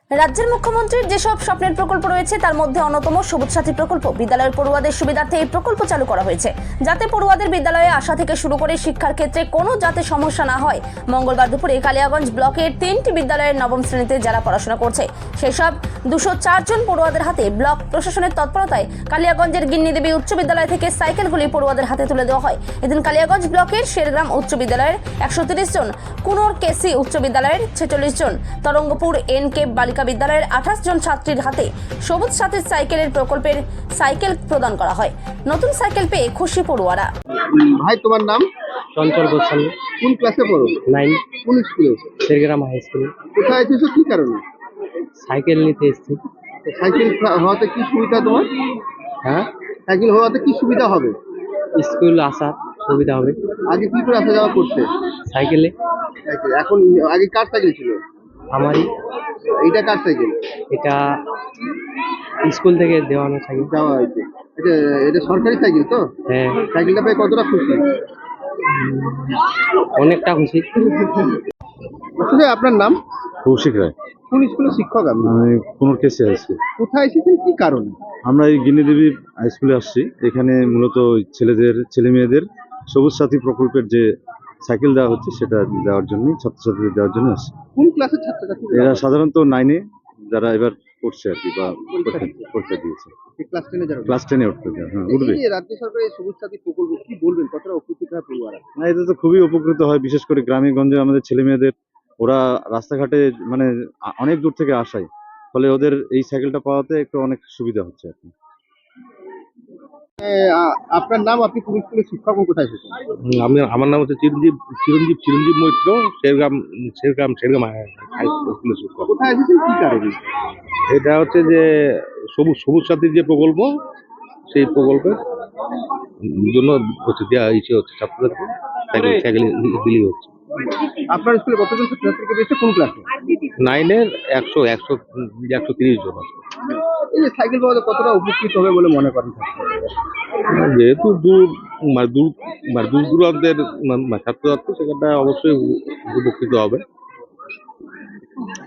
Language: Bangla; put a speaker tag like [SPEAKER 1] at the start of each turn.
[SPEAKER 1] রাজ্যের মুখ্যমন্ত্রীর যেসব স্বপ্নের প্রকল্প রয়েছে তার মধ্যে অন্যতম সবুজ সাথী প্রকল্প। বিদ্যালয়ের পড়ুয়াদের সুবিধার্থে এই প্রকল্প চালু করা হয়েছে, যাতে পড়ুয়াদের বিদ্যালয়ে আসা থেকে শুরু করে শিক্ষার ক্ষেত্রে কোনো যাতে সমস্যা না হয়। মঙ্গলবার দুপুরে কালিয়াগঞ্জ ব্লকের 3টি বিদ্যালয়ের নবম শ্রেণীতে যারা পড়াশোনা করছে সেসব 204 জন পড়ুয়াদের হাতে ব্লক প্রশাসনের তৎপরতায় কালিয়াগঞ্জের গিন্নিদেবী উচ্চ বিদ্যালয় থেকে সাইকেলগুলি পড়ুয়াদের হাতে তুলে দেওয়া হয়। এদিন কালিয়াগঞ্জ ব্লকের শেরগ্রাম উচ্চ বিদ্যালয়ের 130 জন, কুনোর কেসি উচ্চ বিদ্যালয়ের 46 জন, তরঙ্গপুর এনকে বালিকা বিদ্যালয়ের 28 জন ছাত্রীর হাতে সবুজ সাথী সাইকেলের প্রকল্পের সাইকেল প্রদান করা হয়। নতুন সাইকেল পেয়ে খুশি পড়ুয়ারা।
[SPEAKER 2] ভাই, তোমার নাম?
[SPEAKER 3] চঞ্চল গোস্বামী।
[SPEAKER 2] কোন ক্লাসে পড়ো?
[SPEAKER 3] 9,
[SPEAKER 2] কোন স্কুলে?
[SPEAKER 3] Shergram high school.
[SPEAKER 2] কোথায় এসেছো, কি কারণে?
[SPEAKER 3] সাইকেল নিতে এসেছি।
[SPEAKER 2] সাইকেল হওয়াতে কি সুবিধা তোমার?
[SPEAKER 3] হ্যাঁ,
[SPEAKER 2] সাইকেল হওয়াতে কি সুবিধা হবে?
[SPEAKER 3] স্কুল আসার সুবিধা হবে।
[SPEAKER 2] আগে কি করে আসা যাওয়া করতে?
[SPEAKER 3] সাইকেলে।
[SPEAKER 2] সাইকেল। এখন আগে কার সাইকেল ছিল?
[SPEAKER 3] আমারই।
[SPEAKER 2] এইটা কার সাইকেল?
[SPEAKER 3] এটা স্কুল থেকে দেওয়ানো সাইকেল।
[SPEAKER 2] দেওয়া হয়েছে। এটা এটা সরকারি সাইকেল তো?
[SPEAKER 3] হ্যাঁ,
[SPEAKER 2] সাইকেলটা পেয়ে কতটা খুশি?
[SPEAKER 3] অনেকটা খুশি।
[SPEAKER 2] আসলে আপনার নাম?
[SPEAKER 4] কৌশিক রায়।
[SPEAKER 2] কোন স্কুলের শিক্ষক আপনি?
[SPEAKER 4] আমি কুনোর কেসে আছি।
[SPEAKER 2] কোথায় এসেছেন, কি কারণে?
[SPEAKER 4] আমরা এই গিনিদেবী হাই স্কুলে আসছি। এখানে মূলত ছেলে মেয়েদের সবুজ সাথী প্রকল্পের যে সাইকেল দেওয়া হচ্ছে সেটা দেওয়ার জন্য, ছাত্রছাত্রীদের দেওয়ার জন্য আসছি।
[SPEAKER 2] কোন ক্লাসের ছাত্রছাত্রী?
[SPEAKER 4] এরা সাধারণত 9-এ যারা এবার পড়ছে আর কি, বা পরীক্ষা দিয়েছে।
[SPEAKER 2] ক্লাস 10 যারা।
[SPEAKER 4] ক্লাস 10-এ উঠতে যায়। হ্যাঁ, উঠবে।
[SPEAKER 2] এই যে রাজ্য সরকারের সবুজ সাথী প্রকল্প, কি বলবেন, কতটা উপকৃত হয় পড়ুয়ারা?
[SPEAKER 4] না, এতে তো খুবই উপকৃত হয়, বিশেষ করে গ্রামে গঞ্জে আমাদের ছেলে মেয়েদের। ওরা রাস্তাঘাটে মানে অনেক দূর থেকে আসায়, ফলে ওদের এই সাইকেলটা পাওয়াতে একটু অনেক সুবিধা হচ্ছে আর কি।
[SPEAKER 2] আপনার নাম? আপনি কোন স্কুলের শিক্ষক ও কোথায় এসেছেন?
[SPEAKER 5] আমার নাম হচ্ছে চিরঞ্জীব মৈত্র। শেরগ্রাম হাই স্কুলের শিক্ষক।
[SPEAKER 2] কোথায় এসেছেন, কি কারণে?
[SPEAKER 5] এটা হচ্ছে যে সবুজ সাথীর যে প্রকল্প, সেই প্রকল্পের জন্য হচ্ছে দেওয়া ইচ্ছে হচ্ছে ছাত্রদেরকে সাইকেল বিলি হচ্ছে।
[SPEAKER 2] আপনার স্কুলে কতজন ছাত্রছাত্রীকে পেয়েছে, কোন ক্লাসে?
[SPEAKER 5] 9-এর 130 জন আছে।
[SPEAKER 2] এই যে সাইকেল পাওয়াতে কতটা উপকৃত হবে বলে মনে করেন?
[SPEAKER 5] যেহেতু দূর দূরান্তের ছাত্রছাত্রী, সেখানটা অবশ্যই উপকৃত হবে।